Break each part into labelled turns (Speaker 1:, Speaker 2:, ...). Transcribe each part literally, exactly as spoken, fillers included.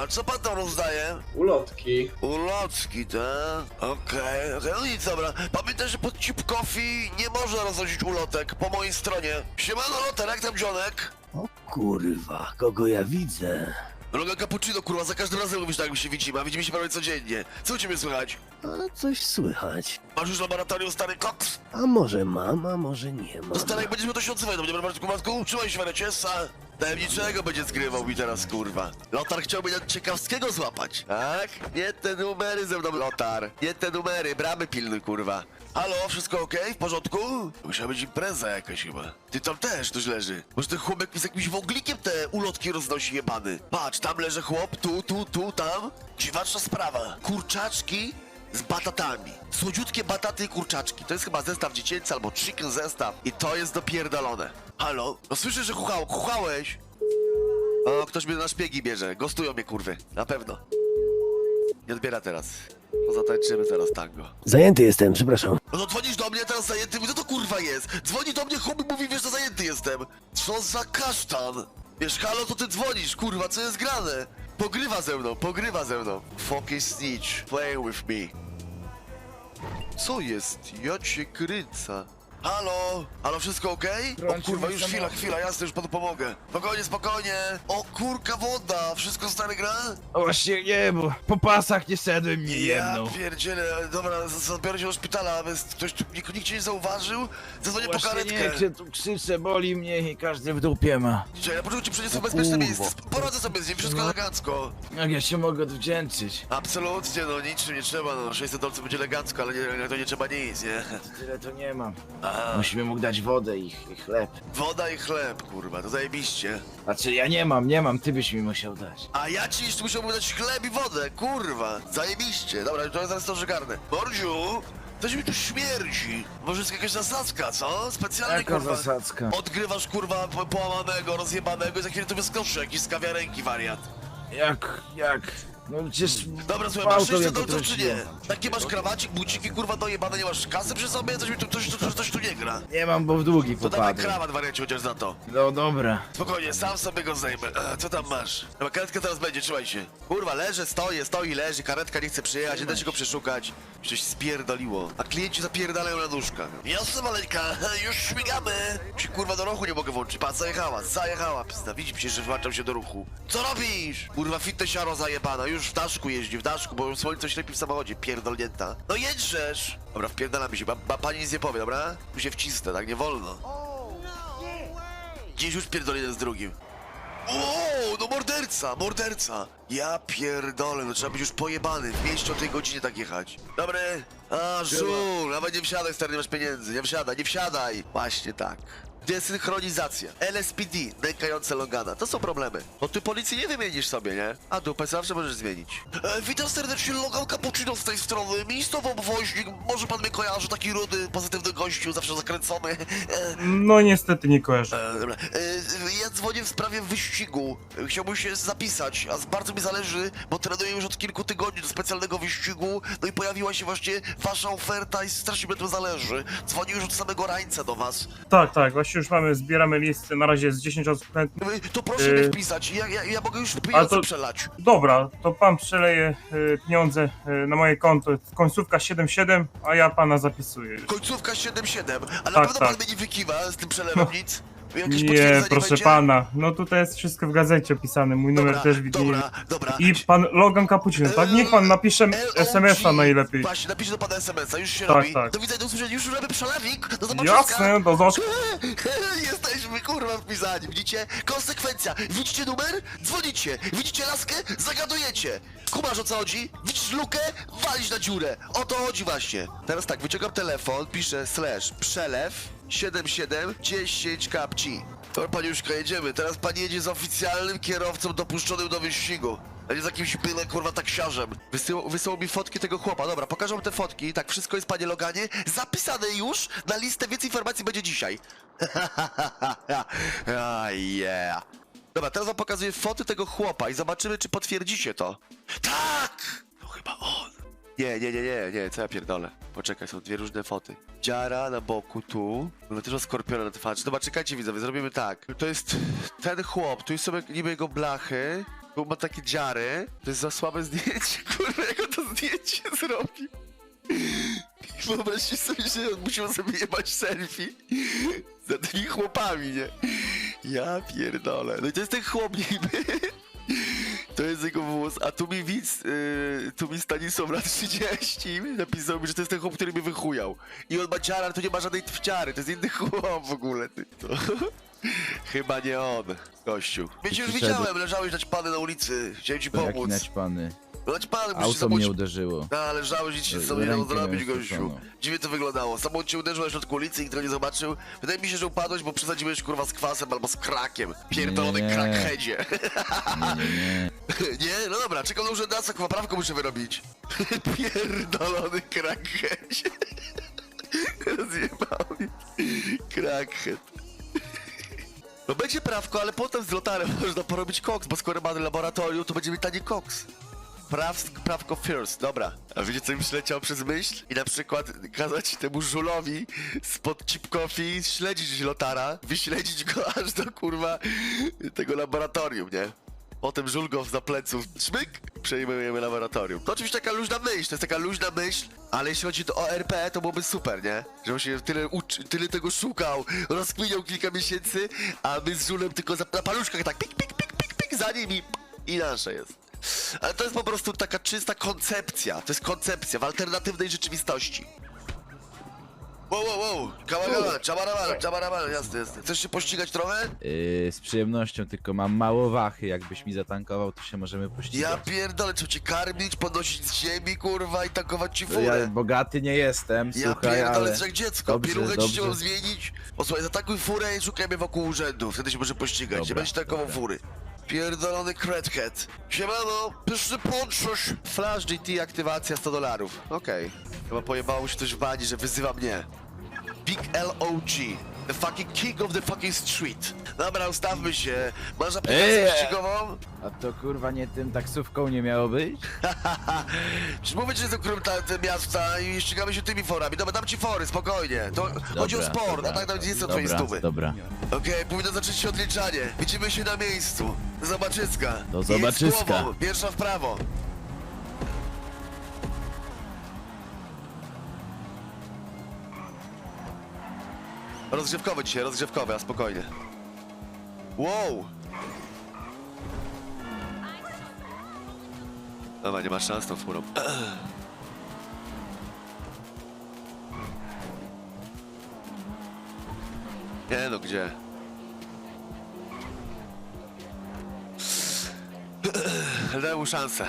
Speaker 1: A co pan tam rozdaje?
Speaker 2: Ulotki.
Speaker 1: Ulotki, tak? Okej, okej, no nic, dobra. Pamiętaj, że pod Chip Coffee nie można roznosić ulotek po mojej stronie. Siemano, Loter, jak tam dzionek?
Speaker 3: O kurwa, kogo ja widzę?
Speaker 1: Droga Cappuccino, kurwa, za każdym razem mówisz tak, jak my się widzimy, a widzimy się prawie codziennie. Co u ciebie słychać?
Speaker 3: A coś słychać.
Speaker 1: Masz już laboratorium stary koks?
Speaker 3: A może mam, a może nie mam.
Speaker 1: To stary, jak będziesz miał, to się odzywaj do mnie, dobra, Bartku, Bartku? Trzymaj się, Wereciesa. Tajemniczego będzie zgrywał mi teraz, kurwa. Lotar chciałby na ciekawskiego złapać, tak? Nie te numery ze mną, Lotar. Nie te numery, bramy pilny, kurwa. Halo, wszystko okej? W porządku? Musiała być impreza jakaś chyba. Ty tam też ktoś leży. Może ten chłopak z jakimś wąglikiem te ulotki roznosi jebany. Patrz, tam leży chłop, tu, tu, tu, tam. Dziwaczna sprawa. Kurczaczki z batatami. Słodziutkie bataty i kurczaczki. To jest chyba zestaw dziecięcy albo chicken zestaw. I to jest dopierdolone. Halo? No słyszę, że chuchał, chuchałeś. O, ktoś mnie na szpiegi bierze. Gostują mnie, kurwy. Na pewno. Nie odbiera teraz. No zatańczymy teraz tango.
Speaker 3: Zajęty jestem, przepraszam.
Speaker 1: No to dzwonisz do mnie, teraz zajęty, co to kurwa jest? Dzwoni do mnie, chłop i mówi, wiesz, że zajęty jestem. Co za kasztan? Wiesz, halo, to ty dzwonisz, kurwa, co jest grane? Pogrywa ze mną, pogrywa ze mną. Fucking snitch, play with me. Co jest? Ja cię kręcę. Halo? Halo, wszystko okej? O kurwa, już chwila, chwila, jasne, już panu pomogę. Spokojnie, spokojnie. O kurka woda, wszystko stary gra?
Speaker 4: O właśnie nie, bo po pasach nie szedłem, nie
Speaker 1: Ja
Speaker 4: jedną.
Speaker 1: pierdzielę, dobra, z- zabiorę się do szpitala, bez ktoś tu, nikt, nikt cię nie zauważył? Zadzwonię po
Speaker 4: Właśnie
Speaker 1: karetkę.
Speaker 4: nie, czy tu krzyczę, boli mnie i każdy w dupie ma.
Speaker 1: Czekaj, na początku ci przyniosę bezpieczne miejsce. Poradzę sobie z nim, wszystko elegancko.
Speaker 4: Jak ja się mogę odwdzięczyć?
Speaker 1: Absolutnie, no niczym nie trzeba, no sześćset dolców będzie elegancko, ale nie, to nie trzeba nic, nie?
Speaker 4: Tyle to nie mam.
Speaker 1: A,
Speaker 4: Musimy mógł dać wodę i, i chleb.
Speaker 1: woda i chleb, kurwa, to zajebiście.
Speaker 4: Znaczy ja nie mam, nie mam, ty byś mi musiał dać.
Speaker 1: A ja ci jeszcze musiałbym dać chleb i wodę, kurwa, zajebiście. Dobra, to ja zaraz to żygarnę. Mordziu, coś mi tu śmierdzi. Może jest jakaś zasadzka, co? Specjalnie,
Speaker 4: Jaka
Speaker 1: kurwa.
Speaker 4: zasadzka?
Speaker 1: Odgrywasz, kurwa, po- połamanego, rozjebanego i za chwilę to wyskoczy jakiś z kawiarenki, wariat.
Speaker 4: Jak, jak? No przecież...
Speaker 1: Dobra, słuchaj, masz
Speaker 4: gwałtem
Speaker 1: sześćset
Speaker 4: mnie
Speaker 1: dolców czy nie?
Speaker 4: potrąciłem.
Speaker 1: Takie masz krawacik, buciki, kurwa, dojebane, nie masz kasy przy sobie? Coś mi tu, coś, coś, coś tu nie gra.
Speaker 4: Nie mam, bo w długi
Speaker 1: To dawaj
Speaker 4: popadłem.
Speaker 1: krawat, wariacie, chociaż za to.
Speaker 4: No dobra.
Speaker 1: Spokojnie, sam sobie go zdejmę. E, Co tam masz? Dobra, karetka teraz będzie, trzymaj się. Kurwa, leży, stoję, stoi, leży, karetka nie chce przyjechać, nie da się go przeszukać. Coś spierdoliło. A klienci zapierdalają na nóżkach. Jasne, maleńka, już śmigamy. Się kurwa do ruchu nie mogę włączyć. Pa, zajechała, zajechała. Pizda, widzi przecież, że włączam się do ruchu. Co robisz? Kurwa, fitnessiaro zajebana, już w daszku jeździ, w daszku, bo słońce ślepi w samochodzie, pierdolnięta. No jedrzesz! Dobra, wpierdalamy się, ba, ba, pani nic nie powie, dobra? Tu się wcisnę, tak nie wolno. Dziś już pierdolę z drugim. O, no morderca, morderca. Ja pierdolę, no trzeba być już pojebany. W mieście o tej godzinie tak jechać. Dobry. A, żul, nawet nie wsiadaj, stary, nie masz pieniędzy. Nie wsiadaj, nie wsiadaj. Właśnie tak. Desynchronizacja, L S P D, nękające Logana, to są problemy. Bo ty policji nie wymienisz sobie, nie? A dupę zawsze możesz zmienić. E, witam serdecznie, Logan Cappuccino z tej strony, miejscowy obwoźnik, może pan mnie kojarzy, taki rudy, pozytywny gościu, zawsze zakręcony. E,
Speaker 5: No niestety nie kojarzę.
Speaker 1: E, dobra. E, ja dzwonię w sprawie wyścigu. E, Chciałbym się zapisać, a z- bardzo mi zależy, bo trenuję już od kilku tygodni do specjalnego wyścigu. No i pojawiła się właśnie wasza oferta i strasznie mi na tym zależy. Dzwonię już od samego rańca do was.
Speaker 5: Tak, tak, właśnie już mamy, zbieramy listy, na razie jest dziesięć osób chętnych.
Speaker 1: E, To proszę
Speaker 5: E,
Speaker 1: mnie wpisać, ja, ja, ja mogę już pieniądze
Speaker 5: to-
Speaker 1: przelać.
Speaker 5: Dobra, to pan przeleje y, pieniądze y, na moje konto, końcówka siedem siedem, a ja pana zapisuję.
Speaker 1: Końcówka siedem siedem, a na
Speaker 5: Tak,
Speaker 1: pewno
Speaker 5: tak.
Speaker 1: pan mnie nie wykiwa z tym przelewem nic? Jakieś
Speaker 5: Nie,
Speaker 1: potwierdzenie
Speaker 5: proszę
Speaker 1: będzie?
Speaker 5: pana, no tutaj jest wszystko w gazecie opisane, mój numer
Speaker 1: Dobra,
Speaker 5: też widnieje.
Speaker 1: dobra, dobra.
Speaker 5: I pan Logan Cappuccino, tak? Niech pan napisze es em es a najlepiej.
Speaker 1: Właśnie, napiszę do pana es em es a, już się
Speaker 5: Tak,
Speaker 1: robi.
Speaker 5: tak.
Speaker 1: Do widzenia, do usłyszenia, już robię przelewik, do zobaczenia.
Speaker 5: Jasne, do zobaczenia.
Speaker 1: Jesteśmy kurwa wpisani, widzicie? Konsekwencja. Widzicie numer? Dzwonicie. Widzicie laskę? Zagadujecie. Kumasz o co chodzi? Widzisz lukę? Walić na dziurę. O to chodzi właśnie. Teraz tak, wyciągam telefon, piszę slash przelew siedem siedem dziesięć kapci. To paniuszka, jedziemy. Teraz pan jedzie z oficjalnym kierowcą dopuszczonym do wyścigu. A nie z jakimś byle kurwa taksiarzem. Wysyłał, wysyłał mi fotki tego chłopa. Dobra, pokażę wam te fotki. Tak, wszystko jest, panie Loganie, zapisane już na listę, więcej informacji będzie dzisiaj. Ah, yeah. Dobra, teraz wam pokazuję foty tego chłopa i zobaczymy, czy potwierdzicie to. Tak! To chyba on. Nie, nie, nie, nie, nie, co ja pierdolę. Poczekaj, są dwie różne foty. Dziara na boku, tu. Mamy też skorpiona na twarzy. Dobra, czekajcie widzowie, zrobimy tak. To jest ten chłop, tu są niby jego blachy. Bo ma takie dziary, to jest za słabe zdjęcie, kurwa, jak on to zdjęcie zrobił. Wyobraźcie sobie, że on musiał sobie jebać selfie za tymi chłopami, nie? Ja pierdolę. No i to jest ten chłop niby. To jest jego włos, a tu mi widz, yy, tu mi Stanisław lat trzydzieści napisał mi, że to jest ten chłop, który mnie wychujał. I on ma dziarę, ale to nie ma żadnej twciary, to jest inny chłop w ogóle, ty. To... Chyba nie on, gościu. Wiecie, już
Speaker 4: Przyszedł.
Speaker 1: widziałem, leżałeś naćpany na ulicy, chciałem ci
Speaker 4: To jaki
Speaker 1: pomóc.
Speaker 4: naćpany.
Speaker 1: No naćpany, musisz
Speaker 4: Auto
Speaker 1: samą...
Speaker 4: mnie uderzyło.
Speaker 1: No, ale żałeś, nic się z tobą nie
Speaker 4: Rękę
Speaker 1: dało zrobić,
Speaker 4: miałem
Speaker 1: gościu.
Speaker 4: skróconą.
Speaker 1: Dziwnie to wyglądało. Samą cię uderzył na środku ulicy i nikt tego nie zobaczył. Wydaje mi się, że upadłeś, bo przesadziłeś kurwa z kwasem albo z krakiem. Pierdolony
Speaker 4: Nie.
Speaker 1: crackheadzie.
Speaker 4: Nie, nie, nie.
Speaker 1: Nie? No dobra, czekam na urzędacę, kurwa, prawko muszę wyrobić. Pierdolony crackheadzie. Rozjebał mnie. Crackhead. No będzie prawko, ale potem z lotarem można porobić koks, bo skoro mamy laboratorium, to będziemy tani koks. Praw, prawko first, dobra. A wiecie co mi przyleciało przez myśl? I na przykład kazać temu żulowi spod Chip Coffee śledzić lotara, wyśledzić go aż do kurwa tego laboratorium, nie? Potem żul go za pleców, szmyk, przejmujemy laboratorium. To oczywiście taka luźna myśl, to jest taka luźna myśl, ale jeśli chodzi o R P, to byłoby super, nie? Że on się tyle uczy, tyle tego szukał, rozkminiał kilka miesięcy, a my z żulem tylko za, na paluszkach tak pik, pik, pik, pik, pik, za nim i, i nasze jest. Ale to jest po prostu taka czysta koncepcja, to jest koncepcja w alternatywnej rzeczywistości. Wow, wow, wow, kawagawa, czabaramal, czabaramal, jasne, jasne. Chcesz się pościgać trochę?
Speaker 4: Yy, z przyjemnością, tylko mam mało wachy. Jakbyś mi zatankował, to się możemy
Speaker 1: Ja
Speaker 4: pościgać.
Speaker 1: pierdolę, trzeba cię karmić, podnosić z ziemi, kurwa, i tankować ci
Speaker 4: To ja
Speaker 1: furę.
Speaker 4: bogaty nie jestem,
Speaker 1: Ja
Speaker 4: słuchaj,
Speaker 1: pierdolę,
Speaker 4: ale...
Speaker 1: jesteś jak dziecko,
Speaker 4: Dobrze,
Speaker 1: pieluchę ci
Speaker 4: dobrze.
Speaker 1: chciałem zmienić. Posłuchaj, zatakuj furę i szukajmy wokół urzędu, wtedy się może pościgać, nie
Speaker 4: Dobra,
Speaker 1: będzie tankował
Speaker 4: dobra.
Speaker 1: fury. Pierdolony crackhead. Siemano, pyszny ponczusz. Flash G T, aktywacja sto dolarów. Okej. Chyba pojebało się coś w bani, że wyzywa mnie. Big L O G. The fucking king of the fucking street. Dobra, ustawmy się. Masz aplikację
Speaker 4: Eee.
Speaker 1: wyścigową?
Speaker 4: A to kurwa nie tym taksówką nie miało być?
Speaker 1: Przecież mówię, że jestem królem ta- te miasta i ścigamy się tymi forami. Dobra, dam ci fory, spokojnie. To chodzi o
Speaker 4: Dobra,
Speaker 1: sport,
Speaker 4: dobra,
Speaker 1: a tak nawet nie są
Speaker 4: dobra,
Speaker 1: twoje stówy.
Speaker 4: Dobra,
Speaker 1: Okej, powinno zacząć się odliczanie. Widzimy się na miejscu. Do zobaczyska.
Speaker 4: Do
Speaker 1: Jedź
Speaker 4: zobaczyska.
Speaker 1: głową, pierwsza w prawo. Rozgrzewkowy dzisiaj, rozgrzewkowy, a spokojnie. Wow! Dobra, nie masz szans tą furą. Nie no, gdzie? Daj mu szansę.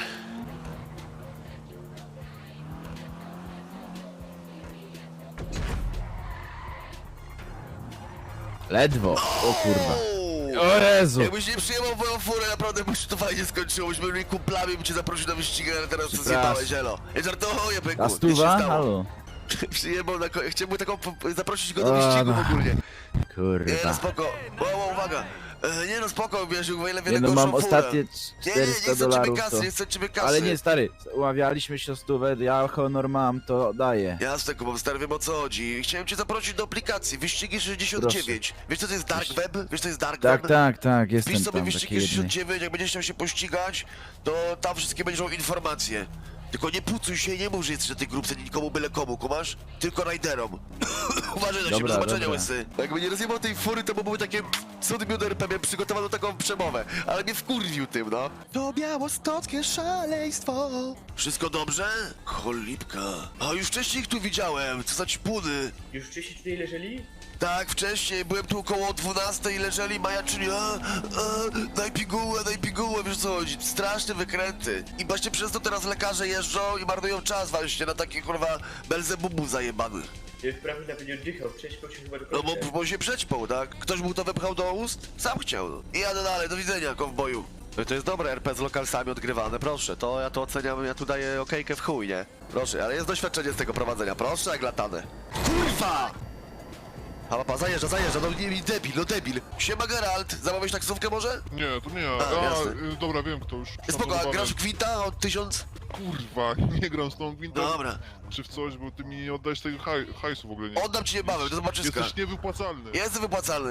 Speaker 4: ledwo. O kurwa.
Speaker 1: O
Speaker 4: O Jezu.
Speaker 1: Jakbyś nie przyjmował moją furę, naprawdę by się to fajnie skończyło. Byśmy byli kumplami, bym cię zaprosił na wyścig, ale teraz to
Speaker 4: Przepraszam.
Speaker 1: zjebałeś, elo. Ja żartuję, byku.
Speaker 4: A
Speaker 1: Nic się
Speaker 4: stuwa?
Speaker 1: stało.
Speaker 4: Halo.
Speaker 1: Przyjebał na ko- chciałem mu taką po- zaprosić go do
Speaker 4: O,
Speaker 1: wyścigu
Speaker 4: no.
Speaker 1: ogólnie. Nie no,
Speaker 4: Kurwa.
Speaker 1: spoko. Wow, wow, uwaga. E, nie no, spoko, wiesz, o ile
Speaker 4: Nie
Speaker 1: wiele
Speaker 4: no,
Speaker 1: gorszą
Speaker 4: mam
Speaker 1: furę.
Speaker 4: ostatnie
Speaker 1: Nie, nie, nie
Speaker 4: czterysta
Speaker 1: chcę ciebie
Speaker 4: dolarów
Speaker 1: kasy,
Speaker 4: to...
Speaker 1: nie chcę ciebie kasy.
Speaker 4: Ale nie, stary, umawialiśmy się o stówę, ja honor mam, to daję.
Speaker 1: Jasne, Kuba, stary, wiem o co chodzi. Chciałem cię zaprosić do aplikacji, wyścigi sześćdziesiąt dziewięć. Wiesz co to jest Dark Web? Wiesz co jest Dark
Speaker 4: Tak,
Speaker 1: Web?
Speaker 4: tak, tak, jestem
Speaker 1: Wpisz sobie
Speaker 4: tam,
Speaker 1: wyścigi
Speaker 4: taki jedny.
Speaker 1: sześćdziesiąt dziewięć, jak będziesz chciał się pościgać, to tam wszystkie będą informacje. Tylko nie pucuj się i nie mów, że jesteś na tej grupce nikomu byle komu, kumasz? Tylko rajderom. Uważaj na siebie, do
Speaker 4: Dobra,
Speaker 1: zobaczenia,
Speaker 4: dobra.
Speaker 1: łysy. Jakby nie rozjebał tej fury, to by były takie cudy miód R P, miałem przygotowaną taką przemowę, ale mnie wkurwił tym, no. To białostockie szaleństwo. Wszystko dobrze? Cholipka. A już wcześniej ich tu widziałem, co za ćpuny.
Speaker 2: Już wcześniej tutaj leżeli?
Speaker 1: Tak, wcześniej, byłem tu około dwunastej, leżeli majaczyli, a, a, daj pigułę, daj pigułę, wiesz co chodzi, straszne wykręty. I właśnie przez to teraz lekarze jeżdżą i marnują czas właśnie na takie kurwa belzebubu zajebanych.
Speaker 2: Wprawdzie nawet nie oddychał, prześpał się chyba do
Speaker 1: No
Speaker 2: końca.
Speaker 1: bo, bo się przećpał, tak? Ktoś mu to wepchał do ust? Sam chciał, no. I jadę dalej, do widzenia, kowboju. No to jest dobre R P z lokalsami odgrywane, proszę, to ja to oceniam, ja tu daję okejkę w chuj, nie? Proszę, ale jest doświadczenie z tego prowadzenia, proszę, jak latane. Kurwa! A papa, zajeżdża, zajeżdża, no nie, debil, no debil. Siema Geralt, zamawiałeś taksówkę może?
Speaker 6: Nie, to nie ja.
Speaker 1: A,
Speaker 6: A,
Speaker 1: jasne.
Speaker 6: y, dobra, wiem kto już.
Speaker 1: Spoko, a
Speaker 6: Tam
Speaker 1: grasz w Gwinta od tysiąc?
Speaker 6: Kurwa, nie gram z tą gwintem.
Speaker 1: Dobra.
Speaker 6: Czy w coś, bo ty mi nie oddajesz tego haj, hajsu w ogóle nie.
Speaker 1: Oddam ci niebawem, do zobaczyska.
Speaker 6: Jesteś niewypłacalny.
Speaker 1: Jestem wypłacalny.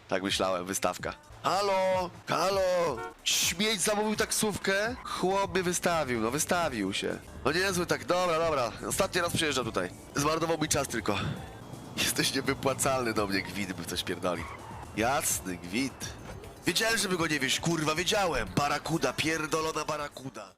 Speaker 1: Tak myślałem, wystawka. Halo, halo, śmieć zamówił taksówkę? Chłop mnie wystawił, no wystawił się. No niezły tak, dobra, dobra, ostatni raz przyjeżdża tutaj. Zmarnował mi czas tylko. Jesteś niewypłacalny do mnie, gwint, by coś pierdoli. Jasny gwint. Wiedziałem, żeby go nie wieść, kurwa, wiedziałem. Barakuda, pierdolona barakuda.